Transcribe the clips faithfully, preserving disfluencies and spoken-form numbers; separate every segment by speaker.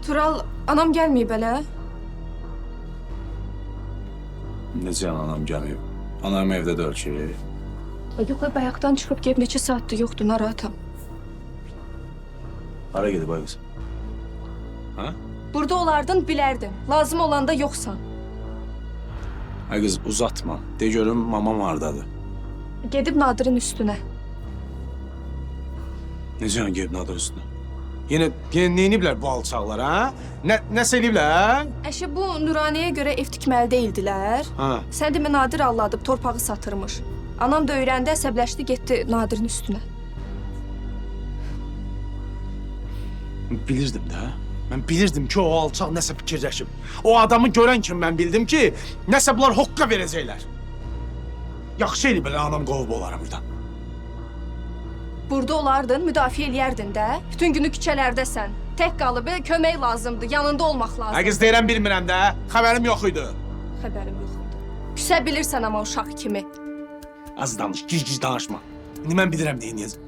Speaker 1: Tural, anam gəlməyib hələ.
Speaker 2: Necə anam gəlməyib? Anam evdə deyil ki.
Speaker 1: Yox, bayaqdan çıxıb gəlib neçə saatdır yoxdur, narahatam.
Speaker 2: Hara gedib ay qız? Ha?
Speaker 1: Burada olardın, bilərdin. Lazım olanda yoxsan.
Speaker 2: Ay qız uzatma. De görüm mamam hardadır.
Speaker 1: Gedib Nadir'in üstünə.
Speaker 2: Necə yəni gedib Nadir üstünə? Yenə, yenə neyiniblər bu alçaqlar, ha? Nə, nəsə eləyiblər?
Speaker 1: Əşi, bu Nuraniyə görə ev tikməli deyildilər.
Speaker 2: Ha.
Speaker 1: Sən demə Nadir alladıb, torpağı satırmış. Anam da öyrəndi, əsəbləşdi, getdi Nadir'in üstünə.
Speaker 2: Bilirdim də. Mən bilirdim ki, o alçaq nəsə fikirləşib. O adamı görən kimi mən bildim ki, nəsə bunlar hoqqa verəcəklər. Yaxşı eləyib belə anam qovub olarım buradan.
Speaker 1: Burada olardın, müdafiə eləyərdin də. Bütün günü küçələrdəsən. Tək qalıb, kömək lazımdır, yanında olmaq lazımdır.
Speaker 2: Ay qız deyirəm bilmirəm də, xəbərim yox idi.
Speaker 1: Xəbərim yox idi. Küsə bilirsən amma uşaq kimi.
Speaker 2: Az danış, gic-gic danışma. İndi mən bilirəm deyiniyəcəm.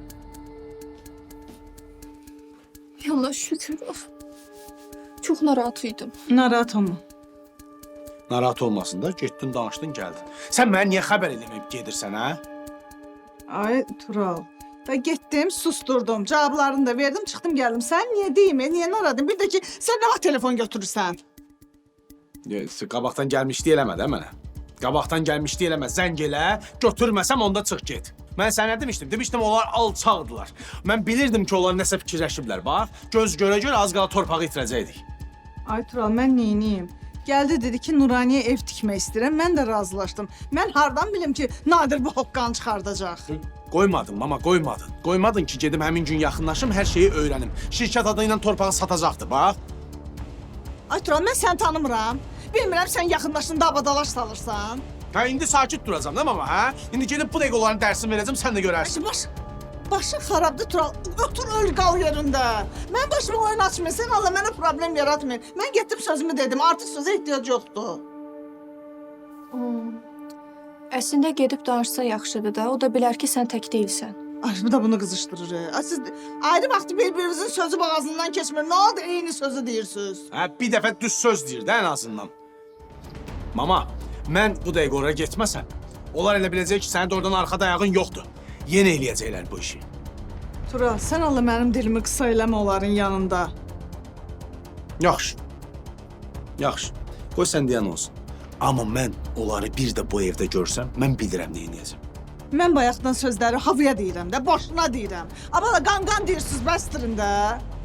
Speaker 1: Allah şükür. Çox narahat idim.
Speaker 3: Narahat olma.
Speaker 2: Narahat olmasın da, getdin, danışdın, gəldin. Sən mənə niyə xəbər eləməyib gedirsən, hə?
Speaker 3: Ay Tural. Da getdim, susturdum, cavablarını da verdim, çıxdım gəldim. Sən niyə deyim, niyə narahatım? Bir də ki, sən nə vaxt telefon götürürsən?
Speaker 2: Qabaqdan gəlmişdi eləmə də mənə. Qabaqdan gəlmişdi eləmə, zəng elə, götürməsəm onda çıx get. Mən sənə demişdim, demişdim onlar alçaqdılar. Mən bilirdim ki, onlar nəsə fikirləşiblər, bax. Göz görə-görə az qala torpağı itirəcəkdik.
Speaker 3: Ay Tural, mən neyniyim? Gəldi dedi ki, Nuraniyə ev tikmək istəyirəm, mən də razılaşdım. Mən hardan bilim ki, Nadir bu hoqqanı çıxardacaq?
Speaker 2: Qoymadın, mama, qoymadın. Qoymadın ki, gedim həmin gün yaxınlaşım, hər şeyi öyrənim. Şirkət adı ilə torpağı satacaqdı, bax.
Speaker 3: Ay Tural, mən səni tanımıram. Bilmirəm, sən yaxınlaşdın, davadalaş salırsan.
Speaker 2: Hə, indi sakit duracam da mama, hə? İndi gelib bu dəqiqələrin dərsini verəcəm, sən də görərsin.
Speaker 3: Ay, baş, başın xarabdır Tural, otur öl qal yerində. Mən başıma oyun açmayın, sən Allah mənə problem yaratmayın. Mən getdim sözümü dedim, artıq sözə ehtiyac yoxdur.
Speaker 1: Hmm. Əslində gedib danışsa yaxşıdır da, o da bilər ki, sən tək deyilsən.
Speaker 3: Ay, bu da bunu qızışdırır. Ay, siz ayrı vaxtı bir-birinizin sözü boğazından keçmir. Nə oldu, eyni sözü deyirsiniz?
Speaker 2: Hə, bir dəfə düz söz deyir də ən azından. Mama, mən bu dəqiqə oraya getməsəm, onlar elə biləcək ki, sənin də oradan arxada ayağın yoxdur. Yenə eləyəcəklər bu işi.
Speaker 3: Tural, sən Allah mənim dilimi qısa eləmə onların yanında.
Speaker 2: Yaxşı. Yaxşı. Qoy sən deyən olsun. Amma mən onları bir də bu evdə görsəm, mən bilirəm nə edəcəm.
Speaker 3: Mən bayaqdan sözləri havaya deyirəm də, boşuna deyirəm. Amma da qan-qan deyirsiniz, bəstirin də.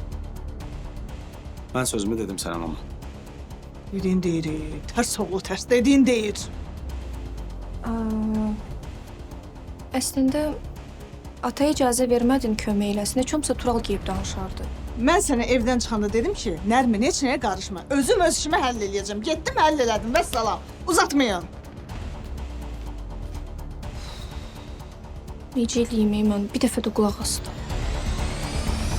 Speaker 2: Mən sözümü dedim sənə mama.
Speaker 3: Dediyin deyir, tərs oğlu tərs, dediyin deyir.
Speaker 1: Aa, əslində, ataya icazə vermədin kömək eləsin, heç olmasa Tural geyib danışardı.
Speaker 3: Mən sənə evdən çıxanda dedim ki, Nərmin heç nəyə qarışma. Özüm öz işimi həll eləyəcəm. Getdim, həll elədim, vəssalam. Uzatmayın.
Speaker 1: Necə eləyim, mən bir dəfə də qulaq asdım.